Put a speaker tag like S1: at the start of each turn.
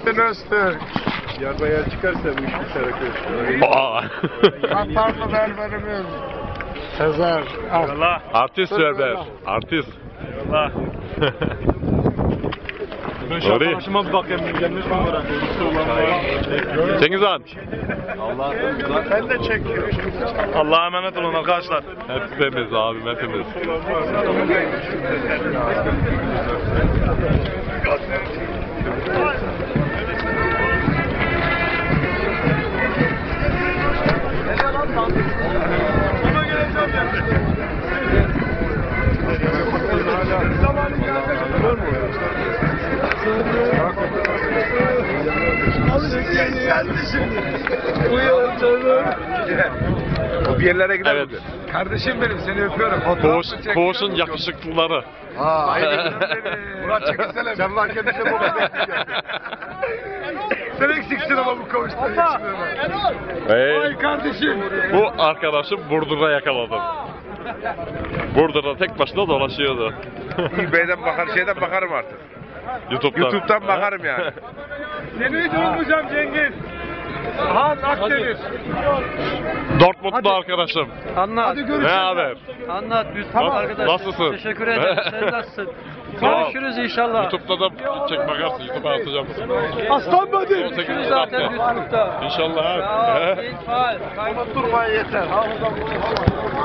S1: Nurettin Öztürk.
S2: Yarmaya çıkarsa bu iş biter arkadaşlar.
S1: Katarlı berberimiz. Sezer.
S3: Allah.
S4: Artist berber. Artist.
S3: Allah. Ben şu
S4: Orayı.
S3: arkadaşıma bir bakayım. Gelmiş mi oraya?
S4: Cengiz Han.
S1: Ben de çekiyorum.
S3: Allah'a emanet olun arkadaşlar.
S4: Hepimiz abim hepimiz.
S2: O bir yerlere gider
S4: Evet.
S2: mi? Kardeşim benim seni öpüyorum.
S4: Koğuşun yakışıklıları.
S2: Murat çekilsene. Sen lan kendine bu kadar Sen eksiksin ama bu koğuşta.
S4: Hey,
S2: Kardeşim.
S4: bu arkadaşım Burdur'da yakaladım. Burdur'da tek başına dolaşıyordu.
S2: eBay'den bakar, şeyden bakarım artık.
S4: YouTube'dan
S2: bakarım yani.
S3: Seni hiç unutmayacağım Cengiz. Han Akdeniz.
S4: Dortmund'da arkadaşım.
S5: Anlat.
S4: Ne haber?
S5: Anlat lütfen arkadaşlar.
S4: Nasılsın?
S5: Teşekkür ederim. Sen nasılsın?
S4: Tamam.
S5: Görüşürüz inşallah.
S4: YouTube'da da çek bakarsın. YouTube'a atacağım.
S1: Aslan Badi.
S4: 18.
S5: Görüşürüz zaten
S4: hafta.
S5: YouTube'da.
S4: İnşallah
S5: Ya,
S4: abi.
S5: iyi faal.
S1: Durmaya yeter.